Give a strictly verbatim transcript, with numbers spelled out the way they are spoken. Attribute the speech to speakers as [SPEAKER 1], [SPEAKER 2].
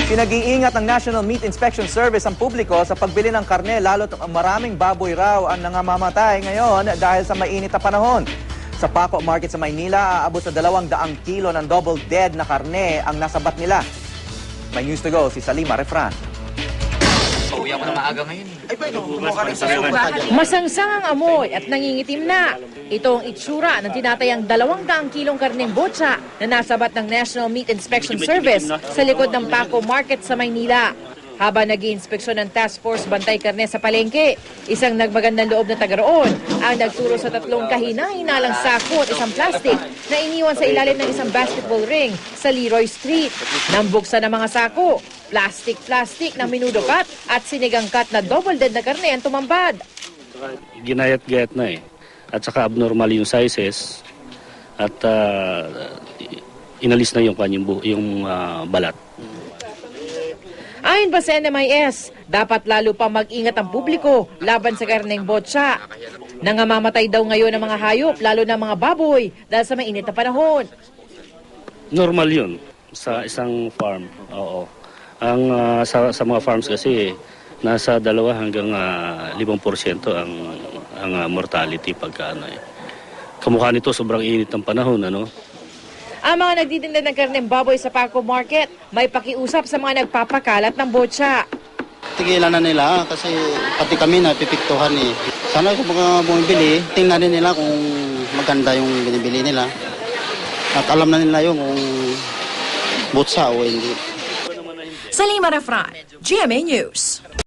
[SPEAKER 1] Pinag-iingat ng National Meat Inspection Service ang publiko sa pagbili ng karne, lalo't maraming baboy raw ang nangamamatay ngayon dahil sa mainit na panahon. Sa Paco Market sa Maynila, aabot sa dalawang daang kilo ng double dead na karne ang nasabat nila. May news to go si Salima Refran.
[SPEAKER 2] Uwi ako na maaga ngayon.
[SPEAKER 3] Masangsang ang amoy at nangingitim na. Ito ang itsura ng tinatayang dalawang daang kilong karneng botsa na nasabat ng National Meat Inspection Service sa likod ng Paco Market sa Maynila. Habang nag-iinspeksyon ng Task Force Bantay Karne sa palengke, isang nagmagandang loob na taga roon ang nagturo sa tatlong kahina-hinalang sako at isang plastic na iniwan sa ilalim ng isang basketball ring sa Leroy Street. Nang buksan ng mga sako, plastic-plastic na minudokat at sinigangkat na double dead na karne ang tumambad.
[SPEAKER 4] Ginayat-gayat na eh. At saka abnormal yung sizes at uh, inalis na yung kanyang yung uh, balat.
[SPEAKER 3] Ayon pa sa N M I S, dapat lalo pa mag-ingat ang publiko laban sa karneng botsa. Nangamamatay daw ngayon ang mga hayop, lalo na mga baboy, dahil sa mainit na panahon.
[SPEAKER 4] Normal yun sa isang farm. Oo. Ang uh, sa, sa mga farms kasi nasa dalawa hanggang uh, limang porsyento ang ang uh, mortality pagka ano eh. Kamukha nito sobrang init ng panahon, ano?
[SPEAKER 3] Ang mga nagtitinda ng karneng baboy sa Paco Market may pakiusap sa mga nagpapakalat ng botsa.
[SPEAKER 5] Tigilan na nila kasi pati kami napipiktuhan eh. Sana kung mga bumibili, tingnan din nila kung maganda yung binibili nila. At alam na nila yung kung botsa o hindi.
[SPEAKER 3] Salima Refran, G M A News.